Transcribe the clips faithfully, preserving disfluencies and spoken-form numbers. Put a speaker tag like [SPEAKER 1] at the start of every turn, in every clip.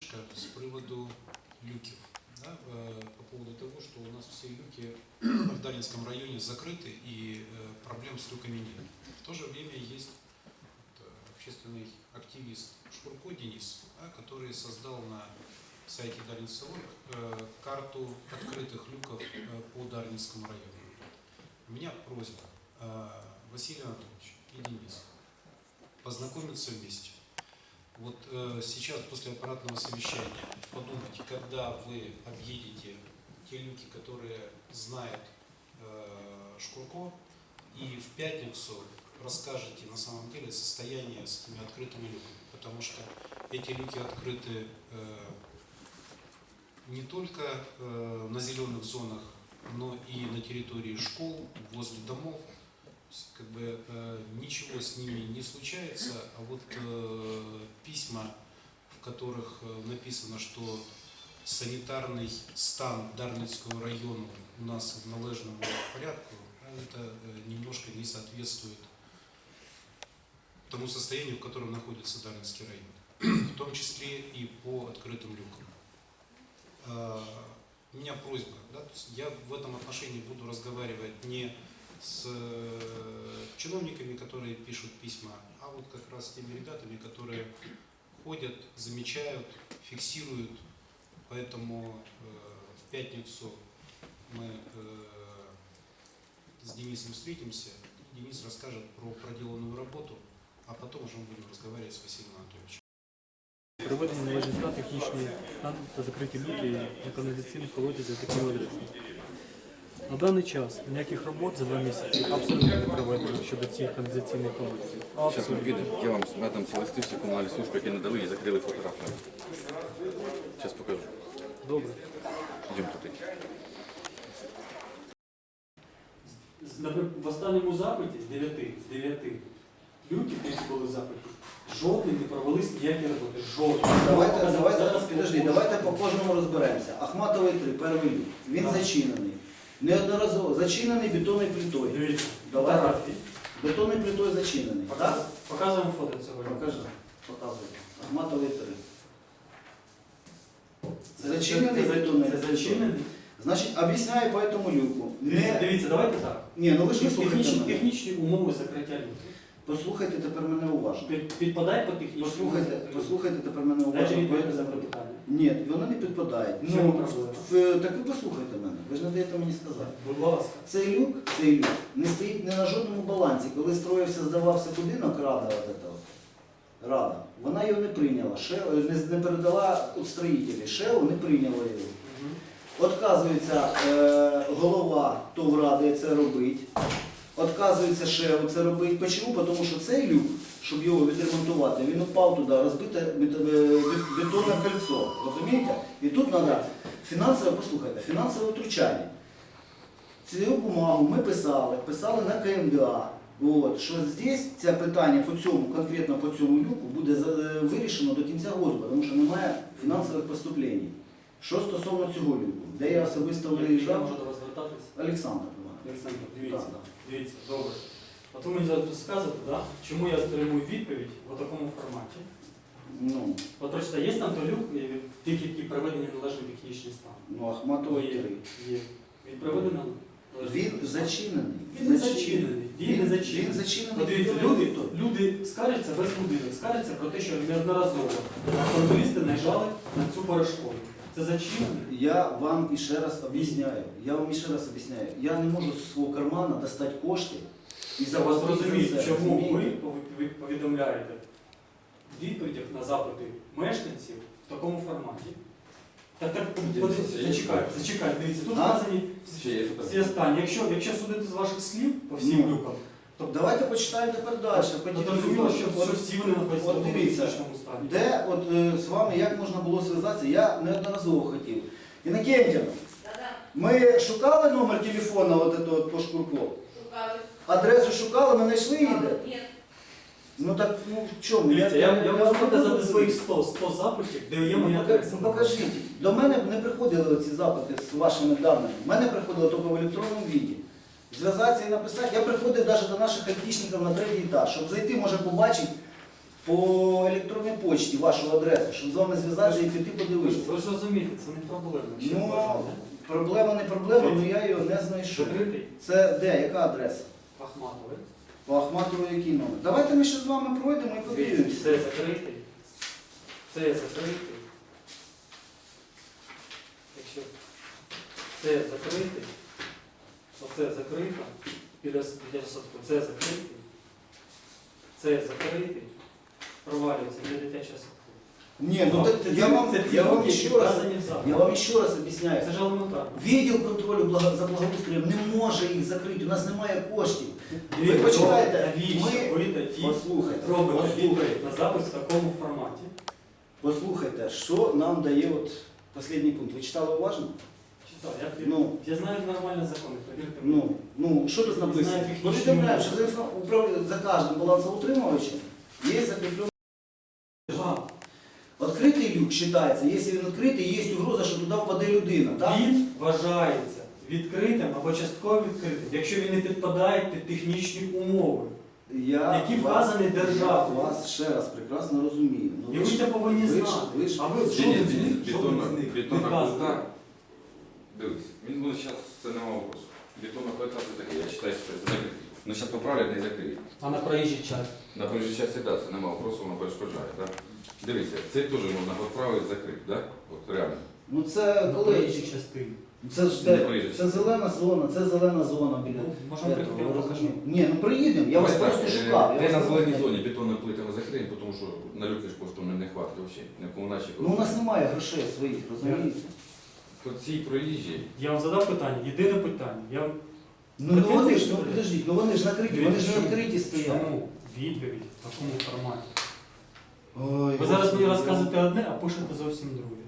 [SPEAKER 1] С приводу люков. Да, по поводу того, что у нас все люки в Дарницком районе закрыты и проблем с люками нет. В то же время есть общественный активист Шкурко Денис, да, который создал на сайте Дарницы точка орг карту открытых люков по Дарницкому району. У меня просьба, Василий Анатольевич и Денис, познакомиться вместе. Вот э, сейчас после аппаратного совещания подумайте, когда вы объедете те люки, которые знает э, Шкурко, и в пятницу расскажете на самом деле состояние с этими открытыми люками. Потому что эти люки открыты э, не только э, на зеленых зонах, но и на территории школ, возле домов. Как бы э, ничего с ними не случается, а вот э, письма, в которых э, написано, что санитарный стан Дарницкого района у нас в належному порядку, это э, немножко не соответствует тому состоянию, в котором находится Дарницкий район, в том числе и по открытым люкам. Э, у меня просьба, да, я в этом отношении буду разговаривать не с чиновниками, которые пишут письма, а вот как раз с теми ребятами, которые ходят, замечают, фиксируют. Поэтому э, в пятницу мы э, с Денисом встретимся, Денис расскажет про проделанную работу, а потом уже мы будем разговаривать с Василием Анатольевичем.
[SPEAKER 2] Проведені належні стан, технічні стан та закриті люки на каналізаційних колодязях та адресами. На даний час ніяких робот за два місяці абсолютно не проведено щодо цих каналізаційних колодязів.
[SPEAKER 3] Зараз ми підемо, я вам надам ці листи, всі комунальні служби, які надали і закрили фотографію. Зараз покажу.
[SPEAKER 2] Добре.
[SPEAKER 3] Йдемо туди.
[SPEAKER 4] В останньому запиті з дев'яти, з дев'яти люків, які були в запиті, жодний не провелись ніякі роботи. Жодний.
[SPEAKER 5] Давайте, давайте, підожди, давайте по кожному розберемося. Ахматовий три, перший люк. Він
[SPEAKER 4] Так.
[SPEAKER 5] зачинений. Неодноразово зачинений бетонною плитою.
[SPEAKER 4] Дивіться,
[SPEAKER 5] Давай.
[SPEAKER 4] фотографії.
[SPEAKER 5] Бетонною плитою зачинений. Так?
[SPEAKER 4] Показуємо фото цього.
[SPEAKER 5] Покажи. Показуй. Ахматовий три.
[SPEAKER 4] Це
[SPEAKER 5] Зачинений
[SPEAKER 4] це- це-
[SPEAKER 5] бетонною
[SPEAKER 4] Це
[SPEAKER 5] плитою.
[SPEAKER 4] зачинений.
[SPEAKER 5] Значить, об'ясняю по этому люку.
[SPEAKER 4] Дивіться,
[SPEAKER 5] Не...
[SPEAKER 4] дивіться, давайте так.
[SPEAKER 5] Ні, ну ви ж не слухайте
[SPEAKER 4] Технічні,
[SPEAKER 5] мене.
[SPEAKER 4] технічні умови закриття люків.
[SPEAKER 5] Послухайте тепер мене уважно.
[SPEAKER 4] Під- Підпадає по технічним
[SPEAKER 5] Послухайте, послухайте тепер мене
[SPEAKER 4] Дайте
[SPEAKER 5] уважно.
[SPEAKER 4] відповідь на
[SPEAKER 5] По-
[SPEAKER 4] запитання.
[SPEAKER 5] Ні, воно не підпадає.
[SPEAKER 4] В чому
[SPEAKER 5] Ну,
[SPEAKER 4] проблема?
[SPEAKER 5] в- так ви послухайте мене. Ви ж не даєте мені сказати.
[SPEAKER 4] Будь ласка.
[SPEAKER 5] Цей люк, цей люк не стоїть не на жодному балансі. Коли строївся, здавався будинок, рада, от эта от, рада, вона його не прийняла, ще, не, не передала у строїтелі, ШЕО не прийняла його. Отказується е, голова ТОВ ради це робить, отказується ШЕО це робить. Чому? Тому що цей люк, щоб його відремонтувати, він упав туди, розбите бет- бет- бетонне кольцо. Розумієте? І тут треба фінансове, послухайте, фінансове втручання. Цю бумагу ми писали, писали на КМДА, от, що здесь це питання по цьому, конкретно по цьому люку буде за- вирішено до кінця року, тому що немає фінансових поступлень. Що стосовно цього люку, де я особисто
[SPEAKER 4] Я
[SPEAKER 5] виїжджав,
[SPEAKER 4] можу до вас звертатися?
[SPEAKER 5] Олександр.
[SPEAKER 4] Олександр, дивіться,
[SPEAKER 5] Так.
[SPEAKER 4] дивіться, добре. От ви мені зараз розказуєте, да? Чому я отримую відповідь в такому форматі?
[SPEAKER 5] Ну,
[SPEAKER 4] От прочита, є там той люк, е, тих, які приведені в належний технічний стан?
[SPEAKER 5] ну Ахматовий
[SPEAKER 4] Є,
[SPEAKER 5] три.
[SPEAKER 4] є. Він приведений на належний
[SPEAKER 5] Він зачинений.
[SPEAKER 4] Він не зачинений. Він не зачинений.
[SPEAKER 5] Він зачинений.
[SPEAKER 4] От дивіться, люди, люди скаржаться весь будинок, скаржаться про те, що неодноразово фронтовісти наїжджали на цю перешкоду. Це зачинений?
[SPEAKER 5] Я вам іще раз об'ясняю. Я вам іще раз об'ясняю. Я не можу з свого кармана достати кошти і
[SPEAKER 4] Я вас
[SPEAKER 5] заплатити
[SPEAKER 4] розумію,
[SPEAKER 5] за це.
[SPEAKER 4] чому ви
[SPEAKER 5] розумієте?
[SPEAKER 4] пові- повідомляєте в відповідях на запити мешканців в такому форматі. Так, так, подивіться, зачекайте, зачекайте, дивіться, тут
[SPEAKER 5] А?
[SPEAKER 4] вказані
[SPEAKER 3] Ще є
[SPEAKER 4] всі
[SPEAKER 3] фотографії.
[SPEAKER 4] останні. Якщо, якщо судити з ваших слів по всім
[SPEAKER 5] Ну.
[SPEAKER 4] люкам, то
[SPEAKER 5] Давайте почитаємо тепер далі.
[SPEAKER 4] то зрозуміло, що, що всі вони знаходяться
[SPEAKER 5] От
[SPEAKER 4] в тому
[SPEAKER 5] дивіться,
[SPEAKER 4] критичному стані.
[SPEAKER 5] Де от е, з вами як можна було зв'язатися, я неодноразово хотів. Інокентівна, ми шукали номер телефона от этого, от по Шкурко?
[SPEAKER 6] Шукали.
[SPEAKER 5] Адресу шукали, ми знайшли її де?
[SPEAKER 6] Ні.
[SPEAKER 5] Ну так, ну в чому?
[SPEAKER 4] Дивіться, я, я можу
[SPEAKER 5] вам
[SPEAKER 4] показати
[SPEAKER 5] буду
[SPEAKER 4] своїх
[SPEAKER 5] говорити.
[SPEAKER 4] сто, сто запитів, де є
[SPEAKER 5] Ну,
[SPEAKER 4] моя
[SPEAKER 5] пока-
[SPEAKER 4] адреса.
[SPEAKER 5] ну, покажіть. До мене не приходили ці запити з вашими даними. У мене приходило тільки в електронному віді. Зв'язатися і написати. Я приходив навіть до наших айтішників на третій етаж, щоб зайти, може побачити по електронній почті вашу адресу, щоб з вами зв'язатися і піти подивитися.
[SPEAKER 4] Ви ж розумієте, це не проблема. Ще
[SPEAKER 5] Ну,
[SPEAKER 4] бажання.
[SPEAKER 5] проблема не проблема, але я його не знайшов.
[SPEAKER 4] Закритий,
[SPEAKER 5] Це де, яка адреса?
[SPEAKER 4] Ахматовий.
[SPEAKER 5] По Ахматову який номер? Давайте ми ще з вами пройдемо і подивимося.
[SPEAKER 4] Це закритий. Це закритий. Якщо це закритий, оце закрито, біля біля садку, це закритий, це закритий, провалюється для дитячого садку.
[SPEAKER 5] Ні, ну так я вам,
[SPEAKER 4] Це ті
[SPEAKER 5] я вам
[SPEAKER 4] люди,
[SPEAKER 5] ще
[SPEAKER 4] які
[SPEAKER 5] раз,
[SPEAKER 4] вказані в законі.
[SPEAKER 5] я вам ще раз об'ясняю.
[SPEAKER 4] Це ж елементарно.
[SPEAKER 5] Відділ контролю благо- за благоустроєм не може їх закрити, у нас немає коштів. Ви
[SPEAKER 4] Дивіться,
[SPEAKER 5] почитайте,
[SPEAKER 4] навіщо
[SPEAKER 5] ми-
[SPEAKER 4] ви тоді
[SPEAKER 5] Послухайте,
[SPEAKER 4] робите
[SPEAKER 5] послухайте,
[SPEAKER 4] відповідь на запис в такому форматі?
[SPEAKER 5] послухайте, що нам дає от останній пункт. Ви читали уважно?
[SPEAKER 4] Читав, я,
[SPEAKER 5] Ну.
[SPEAKER 4] я знаю нормальні закони, повірте мені.
[SPEAKER 5] Ну, ну що тут
[SPEAKER 4] Не
[SPEAKER 5] написано?
[SPEAKER 4] знаю, технічні
[SPEAKER 5] Повідомляємо,
[SPEAKER 4] моменти.
[SPEAKER 5] що за, інфра- управління- за кожним балансоутримувачем є закріплений.
[SPEAKER 4] Ага.
[SPEAKER 5] Відкритий люк вважається, якщо він відкритий, є угроза, що туди впаде людина. Так?
[SPEAKER 4] Він вважається відкритим або частково відкритим, якщо він не підпадає під технічні умови.
[SPEAKER 5] Я
[SPEAKER 4] Які
[SPEAKER 5] вас-
[SPEAKER 4] вказані державою.
[SPEAKER 5] Я вас ще раз прекрасно розумію. Ну,
[SPEAKER 4] І ви
[SPEAKER 5] ж-
[SPEAKER 4] це повинні
[SPEAKER 5] ви ж-
[SPEAKER 4] знати.
[SPEAKER 5] ви ж-
[SPEAKER 4] А ви
[SPEAKER 3] Ні,
[SPEAKER 4] що
[SPEAKER 3] ні,
[SPEAKER 4] ви з
[SPEAKER 3] ні,
[SPEAKER 4] них? Що ви
[SPEAKER 3] бетонна,
[SPEAKER 4] з них?
[SPEAKER 3] бетонна
[SPEAKER 4] Відказуєте?
[SPEAKER 3] плита. Дивись, він буде зараз, це нема вопросу. Бетонна плита це таке, я читаю, що це закритий. Ну зараз поправлять, не закриють.
[SPEAKER 4] А на проїжджій час?
[SPEAKER 3] На проїжджій часті, так, це нема вопросу, воно перешкоджає, так? Дивіться, це теж можна поправити, закрити, так? От реально.
[SPEAKER 5] Ну це
[SPEAKER 4] На
[SPEAKER 5] коли?
[SPEAKER 4] проїжджій частині.
[SPEAKER 5] Це ж
[SPEAKER 3] Це не
[SPEAKER 5] це,
[SPEAKER 3] проїжджа
[SPEAKER 5] це зелена зона, це зелена зона біля.
[SPEAKER 4] Ну, можемо
[SPEAKER 5] Я
[SPEAKER 4] приїхати, я
[SPEAKER 5] того
[SPEAKER 4] покажу.
[SPEAKER 5] розумію. Ні, ну приїдемо, я вас
[SPEAKER 3] Давай
[SPEAKER 5] просто
[SPEAKER 3] так, е,
[SPEAKER 5] шукав. я
[SPEAKER 3] Де
[SPEAKER 5] вас
[SPEAKER 3] на
[SPEAKER 5] не
[SPEAKER 3] зеленій
[SPEAKER 5] знаю.
[SPEAKER 3] зоні бетонною плитами закриємо, тому що на люки ж просто не хватить взагалі, не комуначі.
[SPEAKER 5] Ну у нас немає грошей своїх, розумієте?
[SPEAKER 3] По цій проїжджій,
[SPEAKER 4] Я вам задав питання, єдине питання. Я вам
[SPEAKER 5] Ну, ну вони ж, ну підождіть, ну вони ж накриті, вони ж не
[SPEAKER 4] Чому?
[SPEAKER 5] відкриті стоять.
[SPEAKER 4] Чому? Відповідь в такому форматі.
[SPEAKER 5] Ой,
[SPEAKER 4] Ви зараз мені
[SPEAKER 5] Господи,
[SPEAKER 4] розказуєте одне, а пишете зовсім друге.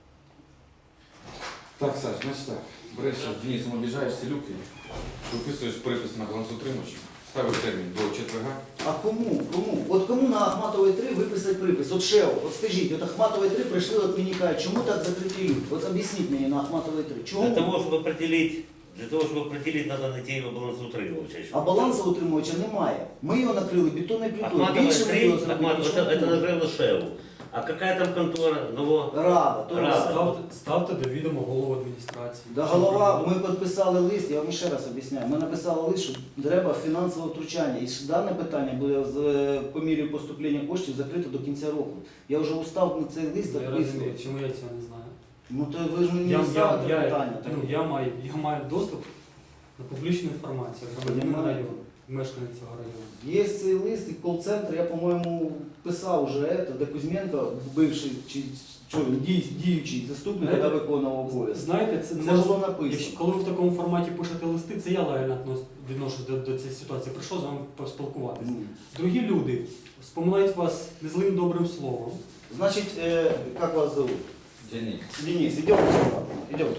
[SPEAKER 3] так, Саш, значить так, береш зараз Денисом обіжаєш ці люки, виписуєш припис на балансоутримувачі, ставиш термін до четверга.
[SPEAKER 5] А кому? Кому? От кому на Ахматовій три виписати припис? От ШЕО, от скажіть, от Ахматовій три прийшли, от мені кажуть, чому так закриті люди? От об'ясніть мені на Ахматовій три.
[SPEAKER 6] Для
[SPEAKER 5] Чому?
[SPEAKER 6] того, чтобы определить, для того, чтобы определить, надо найти его балансоутримывача еще.
[SPEAKER 5] А балансоутримувача немає. Ми його накрили бетонною плитою.
[SPEAKER 6] Ахматова
[SPEAKER 5] Більше ми
[SPEAKER 6] три,
[SPEAKER 5] його зробили,
[SPEAKER 6] Ахматова,
[SPEAKER 5] нічого
[SPEAKER 6] это,
[SPEAKER 5] не
[SPEAKER 6] это
[SPEAKER 5] можемо.
[SPEAKER 6] накрыло ШЕУ. А какая там контора? Ново?
[SPEAKER 5] Рада, то
[SPEAKER 6] Рада.
[SPEAKER 5] Рада.
[SPEAKER 4] Ставте, ставте до відома голову адміністрації.
[SPEAKER 5] Да, голова, ми підписали лист, я вам ще раз об'ясняю. Ми написали лист, що треба фінансове втручання. І що дане питання буде з, по мірі поступлення коштів закрите до кінця року. Я вже устав на цей лист
[SPEAKER 4] Я розумію,
[SPEAKER 5] підписувати.
[SPEAKER 4] чому я цього не знаю.
[SPEAKER 5] Ну то ви ж мені
[SPEAKER 4] Я,
[SPEAKER 5] не
[SPEAKER 4] я,
[SPEAKER 5] ставите
[SPEAKER 4] я,
[SPEAKER 5] питання.
[SPEAKER 4] ну, я, маю, я маю доступ до публічної інформації, громадянин
[SPEAKER 5] Немає.
[SPEAKER 4] району, мешканець цього району.
[SPEAKER 5] Є цей лист і кол-центр, я, по-моєму, писав вже це, де Кузьменко, бивший чи що, він, дій- діючий заступник,
[SPEAKER 4] Знаєте,
[SPEAKER 5] де виконував обов'язки.
[SPEAKER 4] Знаєте, це,
[SPEAKER 5] Це
[SPEAKER 4] може-
[SPEAKER 5] було написано.
[SPEAKER 4] якщо, коли ви в такому форматі пишете листи, це я лояльно віднос- відношусь до, до цієї ситуації. Прийшов з вами поспілкуватися.
[SPEAKER 5] Ну,
[SPEAKER 4] Другі люди споминають вас незлим добрим словом.
[SPEAKER 5] Значить, е, як вас зовут?
[SPEAKER 3] Денис.
[SPEAKER 5] Денис, йдемо сюди. Йдемте.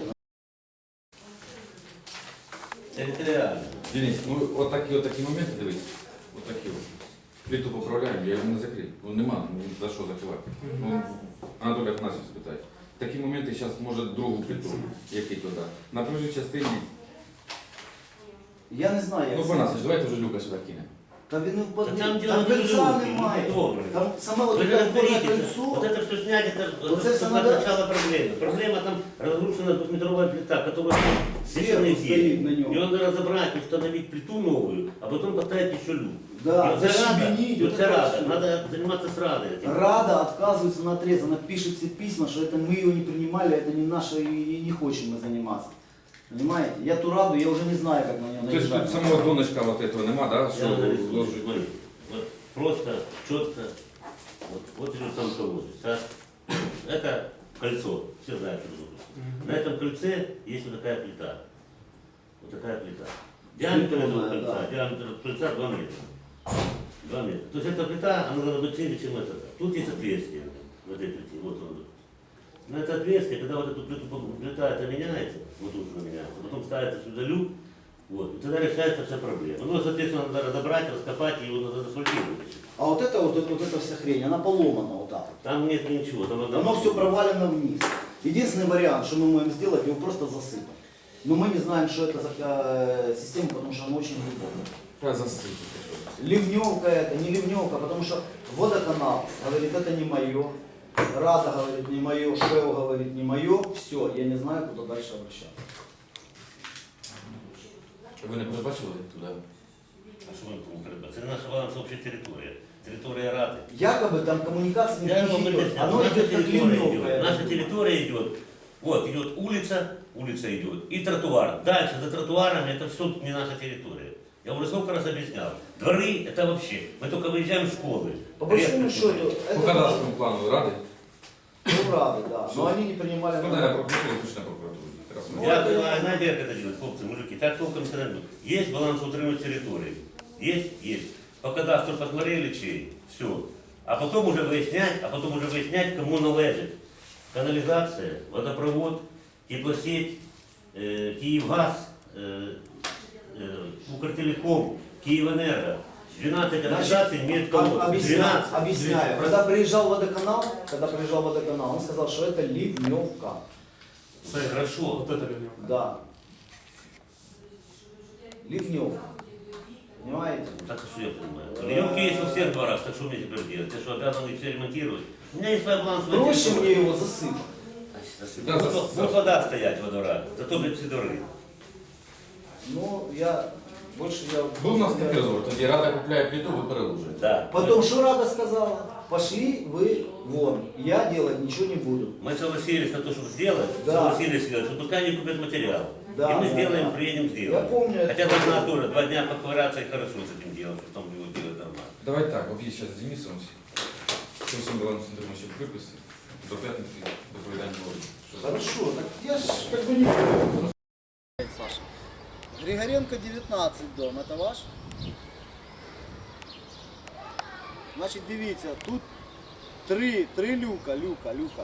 [SPEAKER 6] Территориально.
[SPEAKER 3] Денис, ну от такі, от такі моменти, дивись, от такі от. Плиту поправляємо, я його не закрив. Ну нема, ну за що закривати. Ну, Анатолій Афанасьович спитає. Такі моменти зараз може другу плиту, який туди. На проїжджій частині,
[SPEAKER 5] Я не знаю, як
[SPEAKER 3] ну
[SPEAKER 5] це.
[SPEAKER 3] Панасович, давайте вже люка сюди кинемо.
[SPEAKER 5] Та він не впаде.
[SPEAKER 6] Та там
[SPEAKER 5] Там,
[SPEAKER 6] діло не
[SPEAKER 5] кольця
[SPEAKER 6] люди,
[SPEAKER 5] немає.
[SPEAKER 6] люди добрі.
[SPEAKER 5] Там саме от
[SPEAKER 6] Вы
[SPEAKER 5] таке опорне
[SPEAKER 6] разберитесь. Вот
[SPEAKER 5] кольцо.
[SPEAKER 6] это все снять, это,
[SPEAKER 5] Вот
[SPEAKER 6] это,
[SPEAKER 5] это
[SPEAKER 6] только
[SPEAKER 5] надо-
[SPEAKER 6] начало проблемы. Проблема там разрушена двухметровая плита, которая
[SPEAKER 5] Сверху
[SPEAKER 6] совершенно
[SPEAKER 5] стоит на нем.
[SPEAKER 6] Ее надо разобрать, установить плиту новую, а потом поставить еще люк.
[SPEAKER 5] Да,
[SPEAKER 6] И вот это рада,
[SPEAKER 5] защебенить,
[SPEAKER 6] и вот
[SPEAKER 5] вот
[SPEAKER 6] это
[SPEAKER 5] это
[SPEAKER 6] рада.
[SPEAKER 5] всё.
[SPEAKER 6] Надо заниматься с радой. этим.
[SPEAKER 5] Рада отказывается на отрез, она пишет все письма, что это мы его не принимали, это не наше и не хочем мы заниматься. Понимаете? Я ту раду, я уже не знаю, как на нее
[SPEAKER 3] Тобто тут
[SPEAKER 5] наезжать.
[SPEAKER 3] самого донышка вот этого нема, да,
[SPEAKER 6] Я
[SPEAKER 3] що
[SPEAKER 6] нарисую,
[SPEAKER 3] вложить?
[SPEAKER 6] смотри. Вот просто, четко. Вот, вот идет сам колодец. А? Это кольцо, все знают, что это. На этом кольце есть вот такая плита. Вот такая плита. Диаметр этого
[SPEAKER 5] Прикольная,
[SPEAKER 6] кольца,
[SPEAKER 5] да.
[SPEAKER 6] диаметр кольца два метра. два метра. То есть эта плита, она должна быть шире, чем эта. Тут есть отверстие в этой плите. Вот он. На это отверстие, когда вот эту плиту, плита это меняется, вот тут она меняется, потом ставится сюда люк, вот, и тогда решается вся проблема. Ну, соответственно, надо разобрать, раскопать, и его надо заасфальтировать.
[SPEAKER 5] А вот это вот, вот эта вся хрень, она поломана вот так.
[SPEAKER 6] Там нет ничего, там одна...
[SPEAKER 5] Оно все провалено вниз. Единственный вариант, что мы можем сделать, его просто засыпать. Но мы не знаем, что это за э, система, потому что она очень глубокая.
[SPEAKER 3] Та засипати.
[SPEAKER 5] Ливневка это, не ливневка, потому что водоканал говорит, это не мое, Рада говорит, не мое, ШЭО говорит, не мое, все, я не знаю, куда дальше обращаться.
[SPEAKER 3] Ви не передбачили туди?
[SPEAKER 6] А що ми кому треба? Це наша балансова територія. Територія Ради.
[SPEAKER 5] Якобы там коммуникация
[SPEAKER 6] Я
[SPEAKER 5] не
[SPEAKER 6] вам
[SPEAKER 5] идет,
[SPEAKER 6] объясняю.
[SPEAKER 5] оно
[SPEAKER 6] Наша
[SPEAKER 5] идет как
[SPEAKER 6] территория
[SPEAKER 5] ливневка.
[SPEAKER 6] идет.
[SPEAKER 5] это
[SPEAKER 6] Наша
[SPEAKER 5] будет.
[SPEAKER 6] территория идет. Вот идет улица, улица идет, и тротуар. Дальше за тротуарами это все не наша территория. Я уже сколько раз объяснял. Дворы это вообще. Мы только выезжаем в школы.
[SPEAKER 5] По большому
[SPEAKER 6] Резко
[SPEAKER 5] счету,
[SPEAKER 6] туда.
[SPEAKER 3] По
[SPEAKER 5] это
[SPEAKER 3] кадастровому плану Ради?
[SPEAKER 5] ну, Рады, да, но они не принимали.
[SPEAKER 3] Ну, наверное, прокуратура, точно прокуратура. Раз ми-
[SPEAKER 6] Я понимаю, знаете, как это делать, хлопцы, мужики, так толком не надо. Есть балансоутримывать территории. Есть? Есть. По кадастру посмотрели чей, все. А потом уже выяснять, а потом уже выяснять, кому належит. Канализация, водопровод, теплосеть, э, Киевгаз, э, э, Укртелеком, Киевэнерго. двенадцать организаций имеют
[SPEAKER 5] Об-
[SPEAKER 6] кого?
[SPEAKER 5] Объясняю,
[SPEAKER 6] двенадцать.
[SPEAKER 5] объясняю. Когда приезжал водоканал, когда приезжал водоканал, он сказал, что это ливневка.
[SPEAKER 6] Хорошо.
[SPEAKER 2] Вот это ливневка.
[SPEAKER 5] Да. Ливневка. Понимаете?
[SPEAKER 6] Так что я понимаю. Ливневки есть во всех дворах, так что мне теперь делать? Я что, обязан их все ремонтировать? У меня есть своя балансовая
[SPEAKER 5] Проще
[SPEAKER 6] территория.
[SPEAKER 5] мне его засыпать.
[SPEAKER 6] Засыпать.
[SPEAKER 3] Да,
[SPEAKER 6] Вот-
[SPEAKER 3] засыпать.
[SPEAKER 6] Вот вода стоять во дворах, зато блядь, все дворы.
[SPEAKER 5] Ну, я больше я...
[SPEAKER 3] Був у нас такий розговор, тоді Рада купляє плиту, ви переложуєте.
[SPEAKER 6] Да.
[SPEAKER 5] Потом, что Рада сказала? Пошли вы вон, я делать ничего не буду.
[SPEAKER 6] Мы согласились на то, чтобы сделать,
[SPEAKER 5] Да.
[SPEAKER 6] согласились сделать, что пускай они купят материал.
[SPEAKER 5] Да,
[SPEAKER 6] и мы
[SPEAKER 5] да,
[SPEAKER 6] сделаем,
[SPEAKER 5] да.
[SPEAKER 6] приедем,
[SPEAKER 5] Я
[SPEAKER 6] сделаем.
[SPEAKER 5] помню это.
[SPEAKER 6] Хотя должна тоже два дня поковыряться и хорошо с этим делом, потом его делать нормально.
[SPEAKER 3] Давай так, от є зараз з Денисом, з цим балансом ще приписи, до п'ятниці доповідання говорить.
[SPEAKER 5] Хорошо, так я ж как бы не... Саша. Григоренко девятнадцать дом, это ваш? Значить, дивіться, тут три, три люка, люка, люка.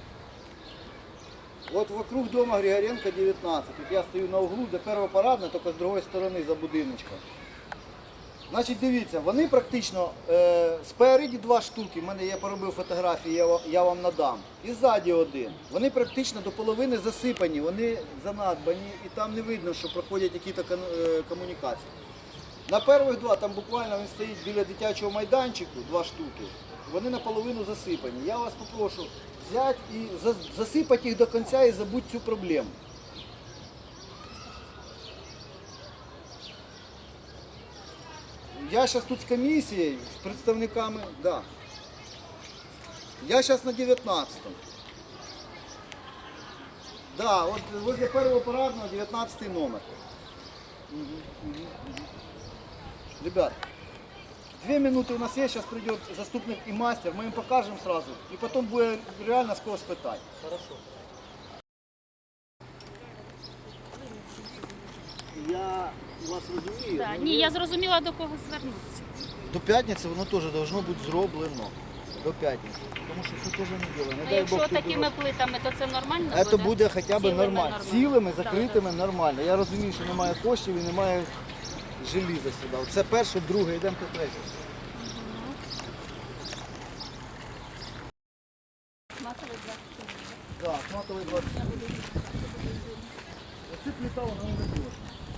[SPEAKER 5] От вокруг дома Григоренко девятнадцать. От я стою на углу, де перша парадна, тільки з другої сторони за будиночком. Значить, дивіться, вони практично е, спереді два штуки, в мене я поробив фотографії, я, ва- я вам надам. І ззаді один. Вони практично до половини засипані, вони занадбані і там не видно, що проходять якісь кон- е, комунікації. На перших два, там буквально він стоїть біля дитячого майданчику, два штуки, вони наполовину засипані. Я вас попрошу взяти і за- засипати їх до кінця і забудь цю проблему. Я зараз тут з комісією, з представниками, да. Я зараз на дев'ятнадцятому. Да, от возле першого парадного дев'ятнадцятий номер. Угу, угу, угу. Ребят, две минуты у нас есть, сейчас придет заступник и мастер, мы им покажем сразу, и потом будет реально с кого спитать. Хорошо. Я вас розумію.
[SPEAKER 7] Да.
[SPEAKER 5] але
[SPEAKER 7] Ні,
[SPEAKER 5] ви-
[SPEAKER 7] я зрозуміла, до кого звернутися.
[SPEAKER 5] До п'ятниці воно теж должно бути зроблено. До п'ятниці. Тому що це теж не діло. Не
[SPEAKER 7] Ну,
[SPEAKER 5] дай
[SPEAKER 7] якщо
[SPEAKER 5] Бог, тут
[SPEAKER 7] такими
[SPEAKER 5] дорога.
[SPEAKER 7] плитами, то це нормально
[SPEAKER 5] Це
[SPEAKER 7] буде?
[SPEAKER 5] буде хоча б
[SPEAKER 7] Цілими
[SPEAKER 5] нормально.
[SPEAKER 7] нормально.
[SPEAKER 5] Цілими,
[SPEAKER 7] Да,
[SPEAKER 5] закритими нормально. Я розумію, що немає коштів і немає желіза сюди. Це перше, друге, йдемо по третє.
[SPEAKER 7] Матовий двадцять.
[SPEAKER 5] Так, матовий двадцять. Оце плита, вона не дуже.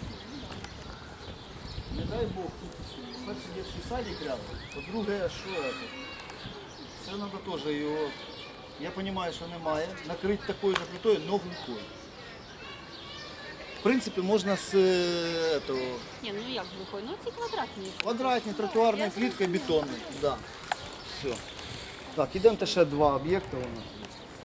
[SPEAKER 5] Не дай Бог, тут перший дитячий садик рядом, по-друге, що це? Це треба теж його, я розумію, що немає, накрити такою же плитою, но глухою. В принципі, можна з е, того,
[SPEAKER 7] Ні, ну як глухой? Ну ці квадратні.
[SPEAKER 5] квадратні тротуарною плиткою бетонною. Да. Все. Так, ідемо ще два об'єкти у нас.